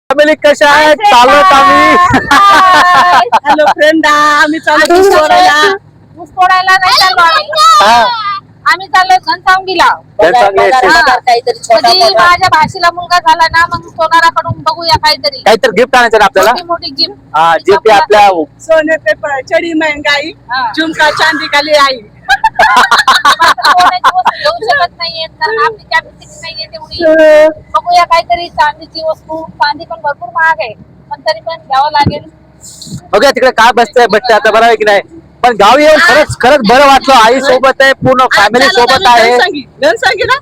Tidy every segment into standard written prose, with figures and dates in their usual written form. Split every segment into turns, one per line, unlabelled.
Family कशा आहेत? चालत आम्ही.
हॅलो फ्रेंड, आम्ही चालू ऊस तोडायला नाही चाललो आम्ही चाललोय घनसावंगीला. म्हणजे माझ्या भाषेला मुलगा झाला ना, मग सोनाराकडून बघूया काहीतरी
गिफ्ट आणायचं ना आपल्याला.
मोठी गिफ्ट.
जे ते आपल्या
सोने पे चढी महंगाई, झुमका चांदी खाली आई. घेऊ शकत नाहीये कारण आपली कॅपॅसिटी नाहीये तेवढी. बघूया काहीतरी चांदीची वस्तू. चांदी पण भरपूर महाग आहे, पण तरी पण घ्यावं लागेल.
बघा तिकडे काय बसतंय भेटते आता, बरं आहे की नाही. पण गावी येऊन खरंच बरं वाटलं. आई सोबत आहे, पूर्ण फॅमिली सोबत आहे.
घनसावंगीला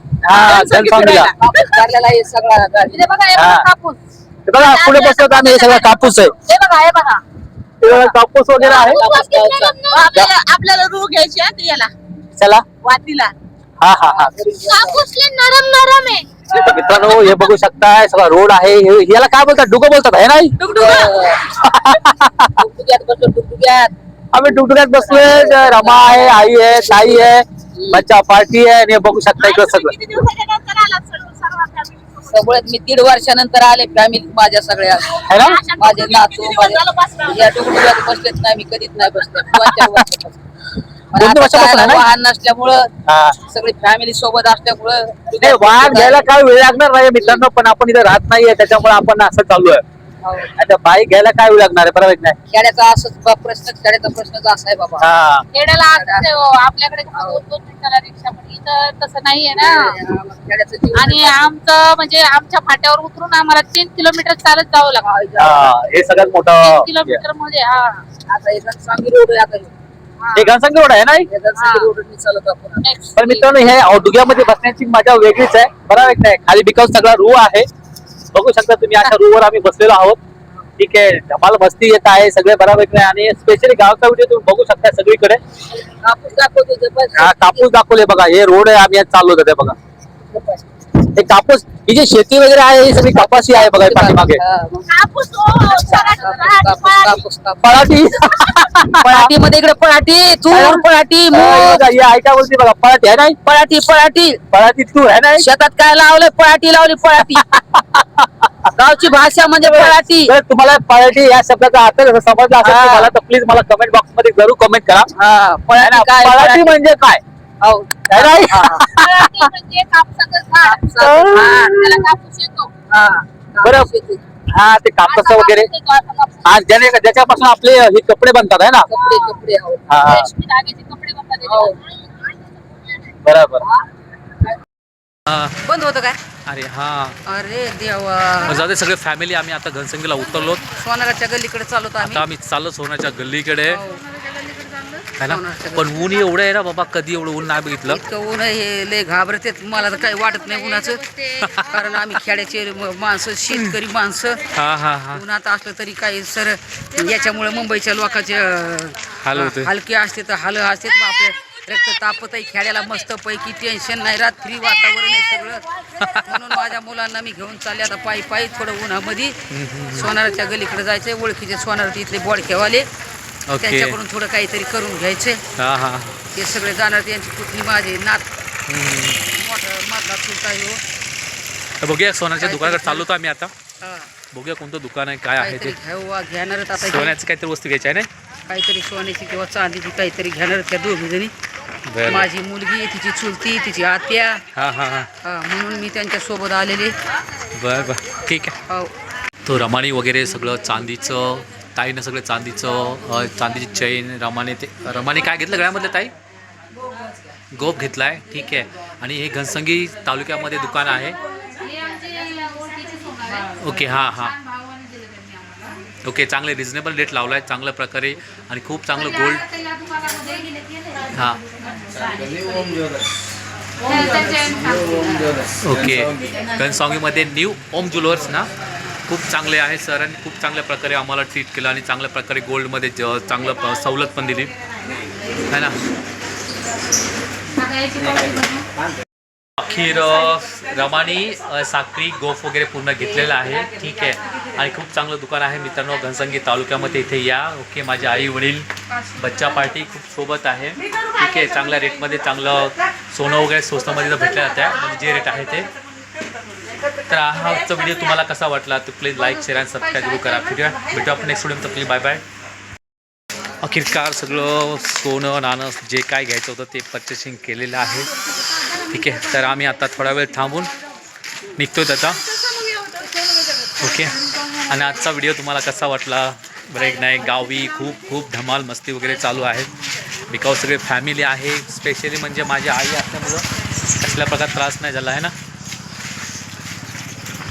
कापूस.
बघा पुढे बसलो आम्ही, हे सगळं कापूस आहे.
हे बघा
कापूस वगैरे आहे.
आपल्याला रू घ्यायची आहे याला,
चला
वातीला.
हा हा हा.
कापूसले नरम आहे.
मित्रांनो हे बघू शकताय, सगळा रोड आहे. याला काय बोलतात? डुगो बोलतात आहे नाही. आम्ही डुगडुग्यात बसलोय. रमा आहे, आई आहे, ताई आहे, बच्चा पार्टी आहे. आणि हे बघू शकता इकडं सगळं.
सगळ्यात मी 1.5 वर्षानंतर आले फॅमिली माझ्या सगळ्या.
है ना?
माझे नातू या डुगडुग्यात बसलेत नाही, मी कधीच नाही बसले. 2 वर्षापासून वाहन नसल्यामुळं, सगळी फॅमिली सोबत असल्यामुळं
वाहन घ्यायला काय वेळ लागणार नाही मित्रांनो. पण आपण इथे राहत नाहीये, त्याच्यामुळे आपण असं चालू आहे. आता बाईक घ्यायला काय वेळ लागणार आहे, बरोबर नाही?
खेड्याचा असंच खेड्याचा प्रश्नच असा आहे बाबा.
खेड्याला आपल्याकडे 2-2 मिनिटाला रिक्षा, पण इथं तसं नाहीये ना. आणि आमचं म्हणजे आमच्या फाट्यावर उतरून आम्हाला 3 किलोमीटर चालत जावं लागतं.
हे सगळ्यात मोठं
3 किलोमीटर मध्ये.
आता एक सांगली रोड आहे,
हे घनसावंगी रोड आहे नाही. पण मित्रांनो हे डुग्यामध्ये बसण्याची मजा वेगळीच आहे, बरोबर नाही? खाली बिकॉज सगळा रू आहे. बघू शकता तुम्ही, अशा रूवर आम्ही बसलेलो आहोत. ठीक आहे, धमाल मस्ती येत आहे सगळे, बरोबर नाही? आणि स्पेशली गावचा व्हिडिओ तुम्ही बघू शकता सगळीकडे. कापूस दाखवले बघा. हे रोड आहे, आम्ही आज चाललो होतो ते बघा. हे कापूस, ही जी शेती वगैरे आहे, ही सगळी कपाशी आहे बघा पाठीमागे. पराठी
पराठी मध्ये इकडे पराठी तूर, पराठी
ऐका बोलते बघा. पराठी आहे नाही. पराठी तूर आहे नाही.
शेतात काय लावलंय? पराठी लावली. पराठी गावची भाषा म्हणजे पराठी.
जर तुम्हाला पराठी या शब्दाचा अर्थ समजला असेल तुम्हाला, तर प्लीज मला कमेंट बॉक्स मध्ये जरूर कमेंट करा. पराठी म्हणजे काय? बरं, हा ते कापसा वगैरे ज्याच्यापासून आपले हे कपडे बनतात आहे ना. बरोबर.
बंद होतं काय?
अरे हा,
अरे देवा.
जाऊ दे. सगळे फॅमिली आम्ही आता घनसंगीला उतरलो.
सोनाराच्या गल्लीकडे चालू
आता आम्ही चाललो सोनाच्या गल्लीकडे, है ना. पण ऊन एवढं आहे ना बाबा, कधी एवढं ऊन नाही बघितलं.
इतकं ऊन हे लय घाबरते. मला तर काही वाटत नाही उन्हाचं, कारण आम्ही खेड्याचे माणसं, शेतकरी माणसं. उन्हात असलं तरी काही सर याच्यामुळे मुंबईच्या लोकांचे हलके असते तर हाल असते. आपले रक्त तापत आहे. खेड्याला मस्त पैकी टेन्शन नाही राहत, फ्री वातावरण आहे सगळं. म्हणून माझ्या मुलांना मी घेऊन चालले आता पायी थोडं उन्हामध्ये. सोनाराच्या गलीकडे जायचंय. ओळखीचे सोनार इथले बोडखेवाले, त्यांच्याकडून थोडं काहीतरी करून घ्यायचे. ते सगळे जाणार. त्यांची पुतणी माझे नात मोठा चुलता येऊ.
बघूया सोन्याच्या दुकानाकडे चाललो होतो आम्ही आता. बघूया कोणतं दुकान आहे, काय आहे ते.
घेणारच आता.
सोन्याची काहीतरी वस्तू घ्यायची आहे ना,
काहीतरी सोन्याची किंवा चांदीची काहीतरी घेणार त्या दोघी जणी. माझी मुलगी, तिची चुलती, तिची आत्या. म्हणून मी त्यांच्या सोबत आलेले.
बर ठीक आहे. तो रमाणी वगैरे सगळं चांदीचं, ताईनं सगळं चांदीची चैन. रमाने काय घेतलं गळ्यामधलं ताई? गोप घेतलाय. ठीक आहे. आणि हे घनसंगी तालुक्यामध्ये दुकान आहे. ओके. ओके, चांगले रिजनेबल रेट लावला आहे चांगल्या प्रकारे. आणि खूप चांगलं गोल्ड. ओके, घनसावंगीमध्ये न्यू ओम ज्वेलर्स ना, खूप चांगले आहे सर. आणि खूप चांगल्या प्रकारे आम्हाला ट्रीट केलं आणि चांगल्या प्रकारे गोल्डमध्ये चांगलं सवलत पण दिली है ना. अखेर रमानी साखरी गोफ वगैरे पूर्ण घेतलेलं आहे. ठीक आहे. आणि खूप चांगलं दुकान आहे मित्रांनो घनसंगी तालुक्यामध्ये. इथे या. ओके, माझे आई वडील, बच्चा पार्टी खूप सोबत आहे. ठीक आहे. चांगल्या रेटमध्ये चांगलं सोनं वगैरे स्वस्तामध्ये भेटलं जातं आहे, म्हणजे जे रेट आहे ते. तर हा आजचा व्हिडिओ तुम्हाला कसा वाटला तर प्लीज लाईक शेअर आणि सबस्क्राईब जरूर करा. भेटू आपण नेक्स्ट व्हिडिओ. तर प्लीज बाय बाय. अखेरकार सगळं सोनं नाणं जे काय घ्यायचं होतं ते पर्चेसिंग केलेलं आहे. ठीक आहे, तर आम्ही आता थोडा वेळ थांबून निघतो त्याचा. ओके, आणि आजचा व्हिडिओ तुम्हाला कसा वाटला ब्रेक नाही. गावी खूप खूप धमाल मस्ती वगैरे चालू आहे. बिकॉज सगळे फॅमिली आहे. स्पेशली म्हणजे माझी आई असल्यामुळं कसल्या प्रकार त्रास नाही झाला आहे ना.